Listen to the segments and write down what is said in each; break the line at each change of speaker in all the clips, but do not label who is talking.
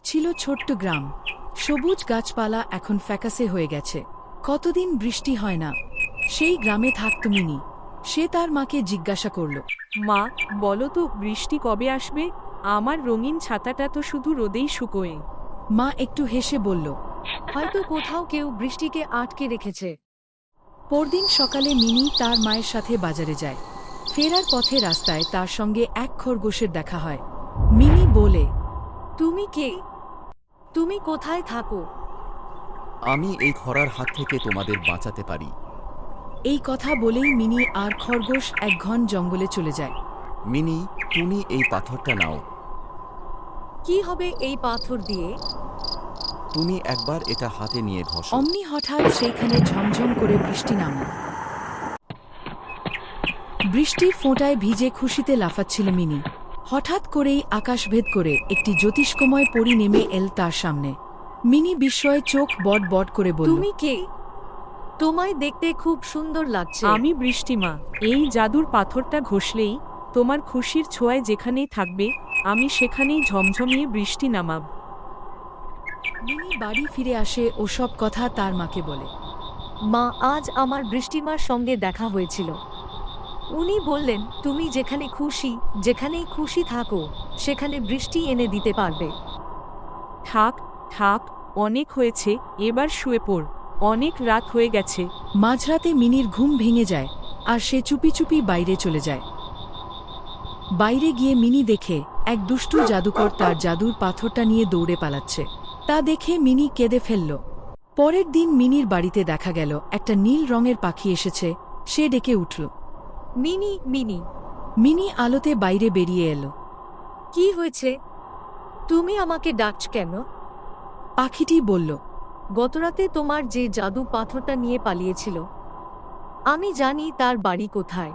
ছিল ছোট্ট গ্রাম। সবুজ গাছপালা এখন ফ্যাকাসে হয়ে গেছে। কতদিন বৃষ্টি হয় না। সেই গ্রামে থাকত মিনি। সে তার মাকে জিজ্ঞাসা করল।
মা, বলো তো বৃষ্টি কবে আসবে? আমার রঙিন ছাতাটা তো শুধু রোদেই শুকোয়।
মা একটু হেসে বলল।
হয়তো কোথাও কেউ বৃষ্টিকে আটকে রেখেছে।
পরদিন সকালে মিনি তার মায়ের সাথে বাজারে যায়। ফেরার পথে রাস্তায় তার সঙ্গে এক খরগোশের দেখা হয়। মিনি বলে,
তুমি কে? তুমি কোথায় থাকো?
আমি এই খরার হাত থেকে তোমাদের বাঁচাতে পারি।
এই কথা বলেই মিনি আর খরগোশ এক ঘন জঙ্গলে চলে যায়।
মিনি, তুমি এই পাথরটা নাও।
কি হবে এই পাথর দিয়ে?
তুমি একবার এটা হাতে নিয়ে ঘষো।
অমনি হঠাৎ সেইখানে ঝমঝম করে বৃষ্টি নামল। বৃষ্টির ফোঁটায় ভিজে খুশিতে লাফাচ্ছিল মিনি। হঠাৎ করেই আকাশভেদ করে একটি জ্যোতিষ্কময় পরী নেমে এল তার সামনে। মিনি বিস্ময়ে চোখ বড় বড় করে বলল,
তুমি কে? তোমায় দেখতে খুব সুন্দর লাগছে।
আমি বৃষ্টিমা। এই জাদুর পাথরটা ঘষলেই তোমার খুশির ছোঁয়ায় যেখানেই থাকবে, আমি সেখানেই ঝমঝমিয়ে বৃষ্টি নামাব।
মিনি বাড়ি ফিরে আসে ও সব কথা তার মাকে বলে।
মা, আজ আমার বৃষ্টিমার সঙ্গে দেখা হয়েছিল। উনি বললেন তুমি যেখানেই খুশি থাকো সেখানে বৃষ্টি এনে দিতে পারবে।
থাক থাক, অনেক হয়েছে, এবার শুয়ে পড়। অনেক রাত হয়ে গেছে।
মাঝরাতে মিনির ঘুম ভেঙে যায় আর সে চুপি চুপি বাইরে চলে যায়। বাইরে গিয়ে মিনি দেখে এক দুষ্টু জাদুকর তার জাদুর পাথরটা নিয়ে দৌড়ে পালাচ্ছে। তা দেখে মিনি কেঁদে ফেলল। পরের দিন মিনির বাড়িতে দেখা গেল একটা নীল রঙের পাখি এসেছে। সে ডেকে উঠল।
Mini, mini.
মিনি আলোতে বাইরে বেরিয়ে এল।
কি হয়েছে? তুমি আমাকে ডাকছ কেন?
পাখিটি বলল,
গতরাতে তোমার যে জাদু পাথরটা নিয়ে পালিয়েছিল, আমি জানি তার বাড়ি কোথায়।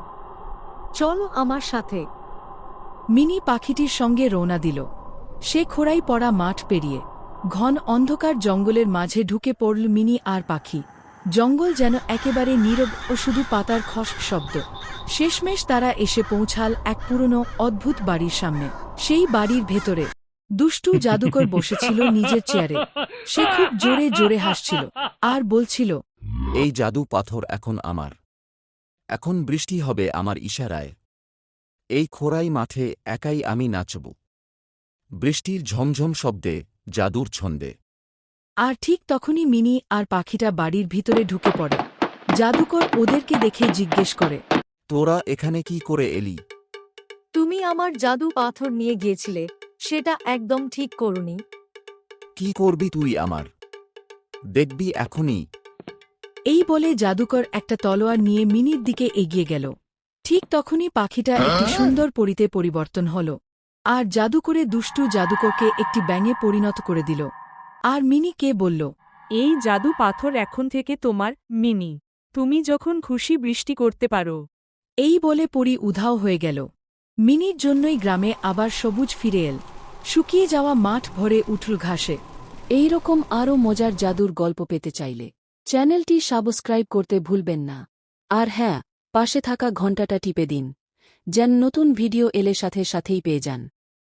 চলো আমার সাথে।
মিনি পাখিটির সঙ্গে রওনা দিল। সে খোঁড়াই পড়া মাঠ পেরিয়ে ঘন অন্ধকার জঙ্গলের মাঝে ঢুকে পড়ল মিনি আর পাখি। জঙ্গল যেন একেবারে নীরব ও শুধু পাতার খস শব্দ। শেষমেশ তারা এসে পৌঁছাল এক পুরনো অদ্ভুত বাড়ির সামনে। সেই বাড়ির ভেতরে দুষ্টু জাদুকর বসেছিল নিজের চেয়ারে। সে খুব জোরে জোরে হাসছিল আর বলছিল,
এই জাদু পাথর এখন আমার। এখন বৃষ্টি হবে আমার ইশারায়। এই খোরাই মাঠে একাই আমি নাচব, বৃষ্টির ঝমঝম শব্দে, জাদুর ছন্দে।
আর ঠিক তখনই মিনি আর পাখিটা বাড়ির ভিতরে ঢুকে পড়ে। জাদুকর ওদেরকে দেখে জিজ্ঞেস করে,
তোরা এখানে কি করে এলি?
তুমি আমার জাদু পাথর নিয়ে গিয়েছিলে, সেটা একদম ঠিক করনি।
কি করবি তুই আমার? দেখবি এখনই।
এই বলে জাদুকর একটা তলোয়ার নিয়ে মিনির দিকে এগিয়ে গেল। ঠিক তখনই পাখিটা একটি সুন্দর পরীতে পরিবর্তন হল আর জাদু করে দুষ্টু জাদুকরকে একটি ব্যাঙে পরিণত করে দিল। আর মিনিকে বলল,
এই জাদু পাথর এখন থেকে তোমার, মিনি। তুমি যখন খুশি বৃষ্টি করতে পারো।
এই বলে পরী উধাও হয়ে গেল। মিনির জন্যই গ্রামে আবার সবুজ ফিরে এল। শুকিয়ে যাওয়া মাঠ ভরে উঠল ঘাসে। এই রকম আরও মজার জাদুর গল্প পেতে চাইলে চ্যানেলটি সাবস্ক্রাইব করতে ভুলবেন না। আর হ্যাঁ, পাশে থাকা ঘণ্টাটা টিপে দিন, যেন নতুন ভিডিও এলে সাথে সাথেই পেয়ে যান।